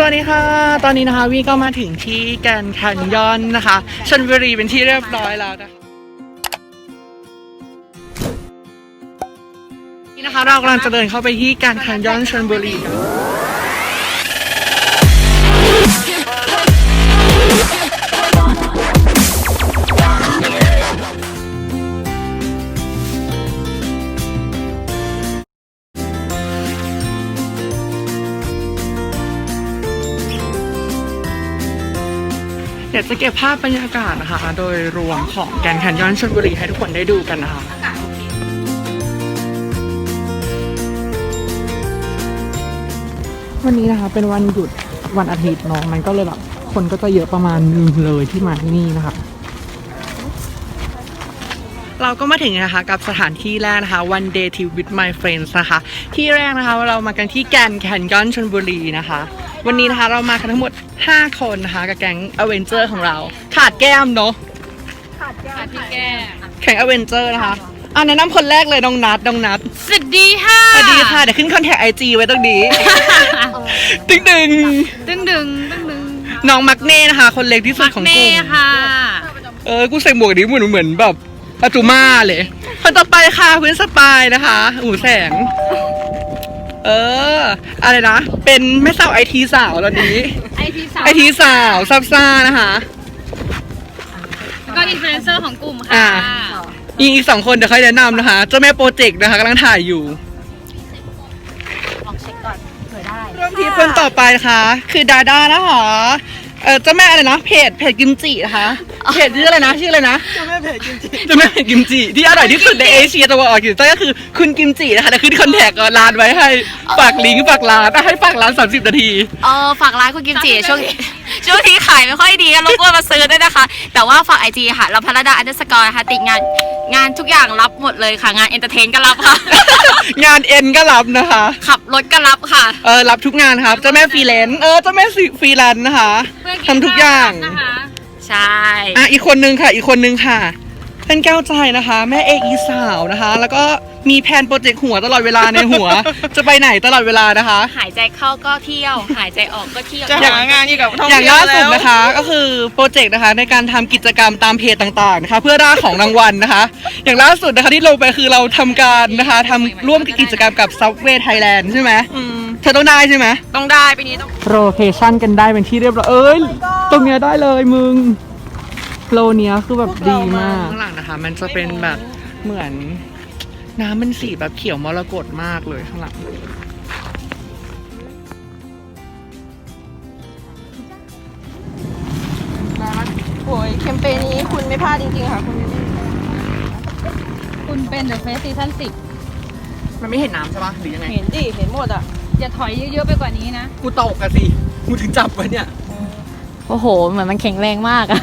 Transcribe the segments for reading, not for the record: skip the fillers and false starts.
วัสดีค่ะตอนนี้นะคะวีก็มาถึงที่แกรนด์แคนยอนนะคะชลบุรีเป็นที่เรียบร้อยแล้วนะคะนี่นะคะเรากำลังจะเดินเข้าไปที่แกรนด์แคนยอนชลบุรีกันเดี๋ยวจะเก็บภาพบรรยากาศนะคะโดยรวมของแกรนด์แคนยอนชลบุรีให้ทุกคนได้ดูกันนะคะวันนี้นะคะเป็นวันหยุดวันอาทิตย์เนาะมันก็เลยแบบคนก็จะเยอะประมาณนึงเลยที่มาที่นี่นะคะเราก็มาถึงนะคะกับสถานที่แรกนะคะ One Day Trip with My Friends นะคะที่แรกนะคะเรามากันที่แกรนด์แคนยอนชลบุรีนะคะวันนี้นะคะเรามากันทั้งหมด5คนนะคะกับแก๊งอเวนเจอร์ของเราขาดแก้มเนาะขาดพี่แก้มแข่งอเวนเจอร์นะคะแนะนำคนแรกเลยน้องนัทสวัสดีค่ะสวัสดีค่ะเดี๋ยวขึ้นคอนแทคไอจีไว้ตรงนี้ตึ้งน้องมักเน่นะคะคนเล็กที่สุดของกลุ่มค่ะกูใส่หมวกนี้เหมือนแบบปัจจุมาเลยคนต่อไปค่ะเพื่อนสปายนะคะหูแสงอะไรนะเป็นแม่สาวไอทีสาวตอนนี้ไอทีสาวซับซ่านะคะแล้วก็อินฟลูเอนเซอร์ของกลุ่มค่ะอีก2คนเดี๋ยวค่อยแนะนำนะคะเจ้าแม่โปรเจกต์นะคะกำลังถ่ายอยู่ลองเช็คก่อนเผื่อได้เริ่มที่คนต่อไปนะคะคือดาด้านะคะเจ้าแม่อะไรนะเพจกิมจินะคะเพจชื่ออะไรนะเจ้าแม่เพจกิมจิที่อร่อยที่สุดในเอเชียตะวันออกเฉียงใต้ก็คือคุณกิมจินะคะแต่ขึ้นคอนแทคร้านไว้ให้ฝากลิงก์ฝากร้านให้ฝากร้าน30 นาทีฝากร้านคุณกิมจิช่วงนี้ขายไม่ค่อยดีกันรบกวนมาซื้อด้วยนะคะแต่ว่าฝาก IG ค่ะเราพรดา_ค่ะติดงานทุกอย่างรับหมดเลยค่ะงานเอนเตอร์เทนก็รับค่ะงานเอ็นก็รับนะคะขับรถก็รับค่ะรับทุกงานครับเจ้าแม่ฟรีแลนซ์เจ้าแม่ฟรีแลนซ์นะคะทำทุกอย่างนะคะใช่อีกคนนึงค่ะเป็นแก้วใจนะคะแม่เอกอีสาวนะคะแล้วก็มีแผนโปรเจกต์หัวตลอดเวลาในหัว จะไปไหนตลอดเวลานะคะหายใจเข้าก็เที่ยวหายใจออกก็เที่ยวจะหางานกับท่องเที่ยวอย่างล่าสุดนะคะก็คือโปรเจกต์นะคะในการทำกิจกรรมตามเพจต่างๆนะคะเพื่อร่าของรางวัลนะคะอย่างล่าสุดนะคะที่ลงไปคือเราทำการนะคะทำร่วมกิจกรรมกับ Subway Thailand ใช่ไหมเธอต้องได้ใช่ไหมต้องได้ปีนี้ต้องโรเทชั่นกันได้เป็นที่เรียบร้อยตรงเนี้ยได้เลยมึงโลเนี้ยคือแบบดีมากข้างหลังนะคะมันจะเป็นแบบเหมือนน้ำมันสีแบบเขียวมรกตมากเลยข้างหลังโอ้ยแคมเปญนี้คุณไม่พลาดจริงๆค่ะคุณเป็นเดอะเฟสซีซั่น 10มันไม่เห็นน้ำใช่ปะหรือยังไงเห็นดิเห็นหมดอ่ะอย่าถอยเยอะๆไปกว่านี้นะกูตกกันสิกูถึงจับไว้เนี่ยโอ้โหเหมือนมันแข็งแรงมากอะ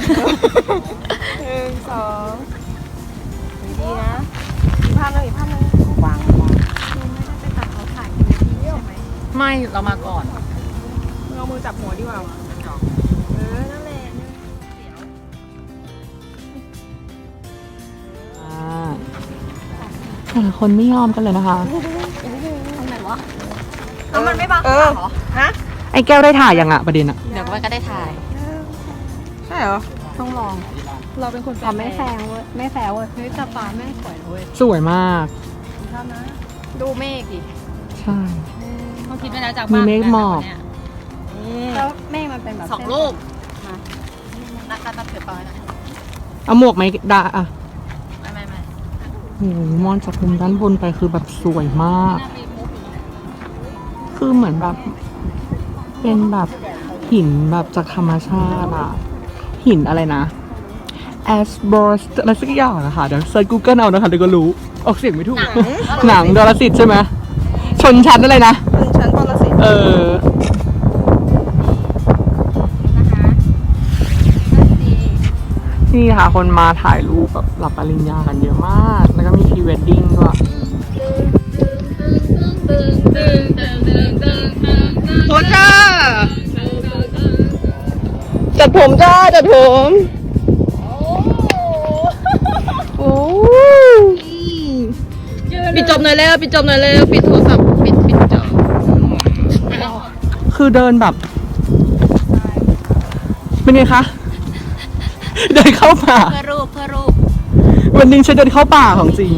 1 2ดีนะอีกภาพนึงกว้างไม่ได้ไปตัดเขาถ่ายใช่ไหมไม่เรามาก่อนเอามือจับหัวดีกว่านั่นแหละแต่ละคนไม่ยอมกันเลยนะคะทำไมวะมันไม่บังเหรอฮะไอ้แก้วได้ถ่ายยังอะประเด็นอะเดี๋ยวมันก็ได้ถ่ายใช่เหรอต้องลองเราเป็นคนไม่แฟงเว้ยไม่แฟงเว้ยเฮ้ยตาฟ้าแม่สวยเว้ยสวยมากชอบนะดูเมฆดิใช่เขาคิดไปแล้วจากบ้านมีเมฆหมอกแล้วเมฆมันเป็นแบบ 2 ลูกนัดเกิดปอยนะเอาหมวกไหมดาอะไม่โอ้โหมองจากมุมด้านบนไปคือแบบสวยมากคือเหมือนแบบเป็นแบบหินแบบจากธรรมชาติอะหินอะไรนะแอสบอสอะไรสักอย่างนะคะเดี๋ยวเซิร์ช Google เอานะคะเดี๋ยวก็รู้ออกเสียงไม่ถูกหนังดอลสิทธิ์ใช่ไหมชนชั้นอะไรนะชนชั้นดอลสิทธิ์นี่ค่ะคนมาถ่ายรูปแบบรับปริญญากันเยอะมากแล้วก็มีพรีเวดดิ้งด้วยโพสจ้าจัดผมโอ้ปิดจบหน่อยแล้วปิดโทรศัพท์ปิดจบคือเดินแบบเป็นไงคะ เดินเข้าป่าเพื่อรูปวันหนึงฉันเดินเข้าป่าของจริง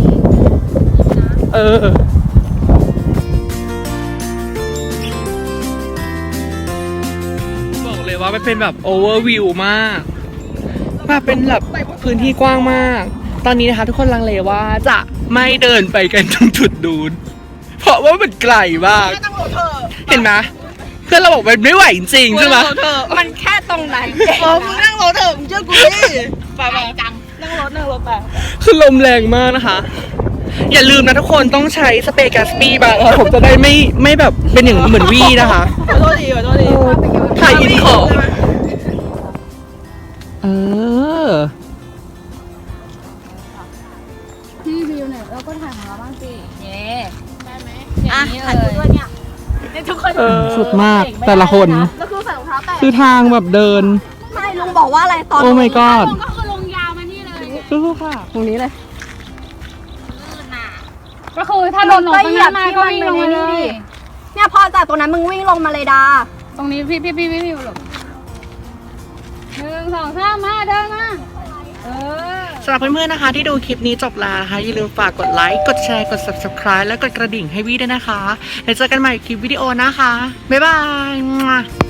บอกเลยว่ามันเป็นแบบโอเวอร์วิวมากแบบเป็นแบบพื้นที่กว้างมาก ตอนนี้นะคะทุกคนลังเลว่าจะไม่เดินไปกันตรงจุดดูน เพราะว่ามันไกลมาก เห็นไหมเพื่อนเราบอกมันไม่ไหวจริงๆใช่ไหมมันแค่ตรงนั้นมึงนั่งรถเถอะมึงเชื่อกูดิไปจังนั่งรถไปคือลมแรงมากนะคะ อย่าลืมนะทุกคนต้องใช้สเปรย์แกสปี้บ้างนะคะผมจะได้ไม่แบบเป็นอย่างเหมือนวี่นะคะขอโทษทีถ่ายอินของพี่วิวเนี่ยเราก็ถ่ายของเราบ้างสิเย่ได้ไหมอ่ะถ่ายรูปด้วยเนี่ยทุกคนสุดมากแต่ละคนแล้วคือใส่รองเท้าแตะคือทางแบบเดินไม่ลุงบอกว่าอะไรตอนโอ้ my god ก็คือลงยาวมานี่เลยสู้ๆค่ะตรงนี้เลยก็คือถ้าโดนหนูตรงนั้นมาก็วิ่งลงมาเลยเนี่ยพอจากตรงนั้นมึงวิ่งลงมาเลยดาตรงนี้พี่หลบ1 2 3มาเดินมาสำหรับเพื่อนๆนะคะที่ดูคลิปนี้จบแล้วนะคะอย่าลืมฝากกดไลค์ กดแชร์ กด subscribe และกดกระดิ่งให้วี่ด้วยนะคะแล้วเจอกันใหม่คลิปวิดีโอนะคะ บ๊ายบาย